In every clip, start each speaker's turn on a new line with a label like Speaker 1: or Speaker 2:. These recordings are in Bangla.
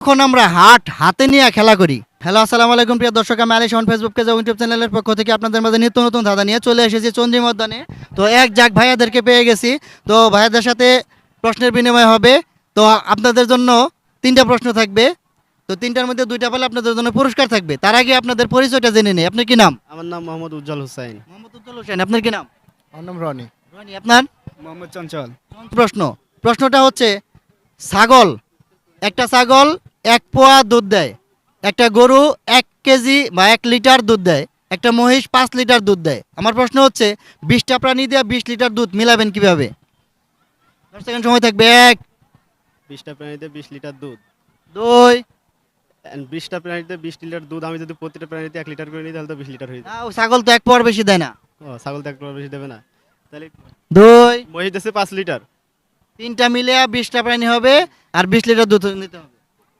Speaker 1: এখন আমরা হাতে নিয়ে খেলা করি। হ্যালো, আসসালামু আলাইকুম প্রিয় দর্শক, আমি আলী শাওন ফেসবুক পেজ এবং ইউটিউব চ্যানেলের পক্ষ থেকে আপনাদের মাঝে নিত্য নতুন ধাঁধা নিয়ে চলে এসেছি চন্দ্রিমা উদ্যানে। তো এক জাক ভাইয়াদেরকে পেয়ে গেছি। তো ভাইয়াদের সাথে প্রশ্নের বিনিময় হবে। তো আপনাদের জন্য 3টা প্রশ্ন থাকবে। তো 3টার মধ্যে 2টা পেলে আপনাদের জন্য পুরস্কার থাকবে। তার আগে আপনাদের পরিচয়টা জেনে নেই। আপনার কি নাম?
Speaker 2: আমার নাম মোহাম্মদ উজ্জ্বল হোসেন।
Speaker 1: মোহাম্মদ উজ্জ্বল হোসেন। আপনার কি নাম?
Speaker 3: আমার নাম রনি।
Speaker 1: রনি। আপনার?
Speaker 3: মোহাম্মদ চঞ্চল।
Speaker 1: প্রশ্নটা হচ্ছে, একটা ছাগল 1 পোয়া দুধ দেয়, একটা গরু 1 কেজি বা 1 লিটার দুধ দেয়, একটা মহিষ 5 লিটার দুধ দেয়। আমার প্রশ্ন হচ্ছে 20টা প্রাণী দিয়ে 20 লিটার দুধ মিলাবেন কিভাবে? 10 সেকেন্ড সময় থাকবে। 1,
Speaker 2: 20টা প্রাণীতে 20 লিটার দুধ,
Speaker 1: 2,
Speaker 2: 20টা প্রাণীতে 20 লিটার দুধ। আমি যদি প্রতিটা প্রাণীতে 1 লিটার করে নিই তাহলে তো 20 লিটার হয়ে যায়।
Speaker 1: ছাগল তো 1 পোয়ার বেশি দেয় না।
Speaker 2: ও, ছাগল তো 1 লিটার বেশি দেবে না, তাহলে
Speaker 1: 2,
Speaker 2: মহিষ দেশে 5 লিটার।
Speaker 1: 3টা মিলে 20টা প্রাণী হবে আর 20 লিটার দুধ নিতে হবে।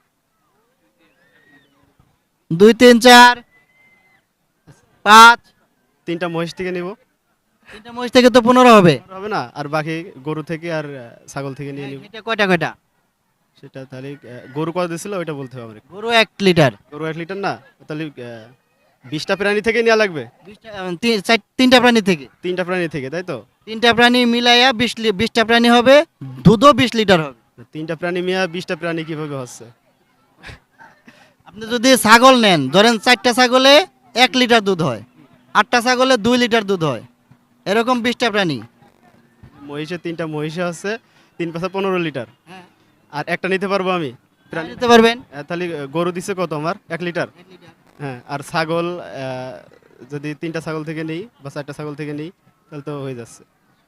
Speaker 1: 2, 3, 4, 5।
Speaker 2: 3টা মহিষ থেকে নিব,
Speaker 1: 3টা মহিষ থেকে তো 15 হবে।
Speaker 2: হবে না? আর বাকি গরু থেকে আর ছাগল থেকে নিয়ে নিব।
Speaker 1: এটা কয়টা?
Speaker 2: সেটা তাহলে গরু কত দিছিল ওইটা বলতে হবে আমাকে।
Speaker 1: গরু 1 লিটার।
Speaker 2: গরু 1 লিটার না, তাহলে 20টা প্রাণী থেকে নেওয়া লাগবে।
Speaker 1: 3টা প্রাণী থেকে।
Speaker 2: 3টা প্রাণী থেকে, তাই তো?
Speaker 1: 3টা প্রাণী মিলাইয়া 20টা প্রাণী হবে, দুধও 20 লিটার হবে।
Speaker 2: 3টা প্রাণী মিয়া 20টা প্রাণী কিভাবে হচ্ছে?
Speaker 1: আপনি যদি ছাগল নেন, ধরেন 4টা ছাগলে 1 লিটার দুধ হয়, 8টা ছাগলে 2 লিটার দুধ হয়, এরকম 20টা প্রাণী।
Speaker 2: মহিষে 3টা মহিষে হচ্ছে 3 পাঁচা 15 লিটার। আর একটা নিতে পারবো আমি প্রাণী?
Speaker 1: নিতে পারবেন।
Speaker 2: তাহলে গরু দিছে কত আমার? 1 লিটার। হ্যাঁ, আর ছাগল যদি 3টা ছাগল থেকে নেই বা 4টা ছাগল থেকে নেই তাহলে তো হয়ে যাচ্ছে।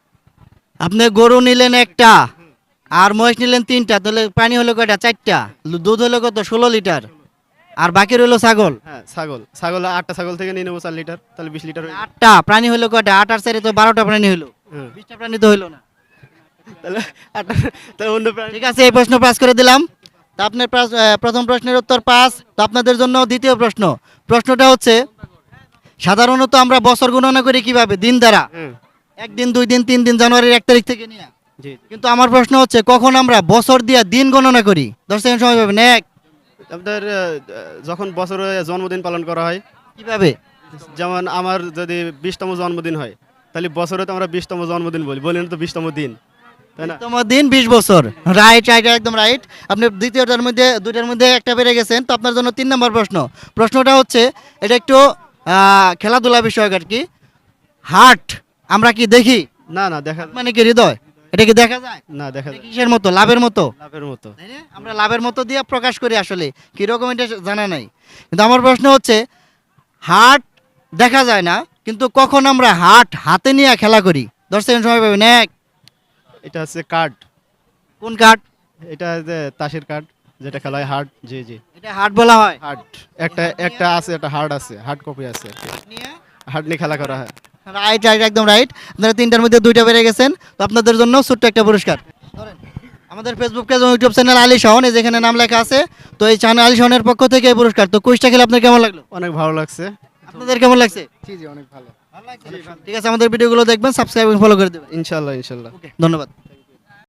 Speaker 1: আপনি গরু নিলেন 1টা আর মহিষ নিলেন 3টা, তাহলে প্রাণী হলো কয়টা? 4টা। দুধ হলো কত? 16 লিটার। আর বাকি রইলো ছাগল।
Speaker 2: হ্যাঁ, ছাগল 8টা ছাগল থেকে নিয়ে নেবো 4 লিটার, তাহলে 20 লিটার হয়ে যাবে।
Speaker 1: 8টা প্রাণী হলো কয়টা? 8 আর 4 তো 12টা প্রাণী হলো।
Speaker 2: হ্যাঁ,
Speaker 1: 20টা প্রাণী তো হইলো না।
Speaker 2: তাহলে 8টা, তাহলে অন্য প্রাণী।
Speaker 1: ঠিক আছে, এই প্রশ্ন পাস করে দিলাম। তো আপনার প্রথম প্রশ্নের উত্তর পাস। তো আপনাদের জন্য দ্বিতীয় প্রশ্নটা হচ্ছে, সাধারণত আমরা বছর গণনা করি কিভাবে? দিন দ্বারা।
Speaker 2: হ্যাঁ,
Speaker 1: 1 দিন, 2 দিন, 3 দিন, জানুয়ারির 1 তারিখ থেকে নিয়ে।
Speaker 2: জি।
Speaker 1: কিন্তু আমার প্রশ্ন হচ্ছে, কখন আমরা বছর দিয়া দিন গণনা করি? 10 সেকেন্ড সময় পাবেন। 1।
Speaker 2: আপনাদের যখন বছরে জন্মদিন পালন করা হয়,
Speaker 1: কিভাবে?
Speaker 2: যেমন আমার যদি 20তম জন্মদিন হয় তাহলে বছরে তো আমরা 20তম জন্মদিন বলি না তো 20তম দিন, তাই না?
Speaker 1: তোমার দিন 20 বছর। রাইট, একদম রাইট। আপনি দ্বিতীয়টার মধ্যে 2টার মধ্যে একটা পেরে গেছেন। তো আপনার জন্য 3 নম্বর প্রশ্নটা হচ্ছে, এটা একটু খেলাধুলা বিষয়ক আর কি। হার্ট আমরা কি দেখি?
Speaker 2: না, না দেখা
Speaker 1: মানে কি হৃদয়? এটা কি দেখা যায়?
Speaker 2: না, দেখা
Speaker 1: এটা কিসের মতো? লাভের মতো।
Speaker 2: লাভের মতো।
Speaker 1: তাই না? আমরা লাভের মতো দিয়ে প্রকাশ করি, আসলে কিরকম এটা জানা নাই। কিন্তু আমার প্রশ্ন হচ্ছে, হার্ট দেখা যায় না, কিন্তু কখন আমরা হাতে নিয়ে খেলা করি? 10 সেকেন্ড সময় পাবেন। 1।
Speaker 2: এটা হচ্ছে কার্ড।
Speaker 1: কোন কার্ড?
Speaker 2: এটা যে তাসের কার্ড যেটা খেলা হয়, হার্ড। জি জি,
Speaker 1: এটা হার্ট বলা হয়।
Speaker 2: হার্ড। একটা আছে, একটা হার্ড আছে, হার্ড কপি আছে, হার্ড নিয়ে খেলা করা হয়।
Speaker 1: রাইট, একদম রাইট। আপনারা 3টার মধ্যে 2টা পেরে গেছেন। তো আপনাদের জন্য ছোট্ট একটা পুরস্কার। ধরেন, আমাদের ফেসবুক পেজ এবং ইউটিউব চ্যানেল আলী শাওন, এই যেখানে নাম লেখা আছে। তো এই চ্যানেল আলী শাওনের পক্ষ থেকে এই পুরস্কার। তো কুইজটা খেলে আপনার কেমন লাগলো?
Speaker 2: অনেক ভালো লাগছে।
Speaker 1: আপনাদের কেমন লাগছে?
Speaker 3: জি জি, অনেক ভালো।
Speaker 1: ঠিক আছে, আমাদের ভিডিওগুলো দেখবেন, সাবস্ক্রাইব এবং ফলো করে দেবেন।
Speaker 2: ইনশাল্লাহ, ইনশাল্লাহ।
Speaker 1: ধন্যবাদ।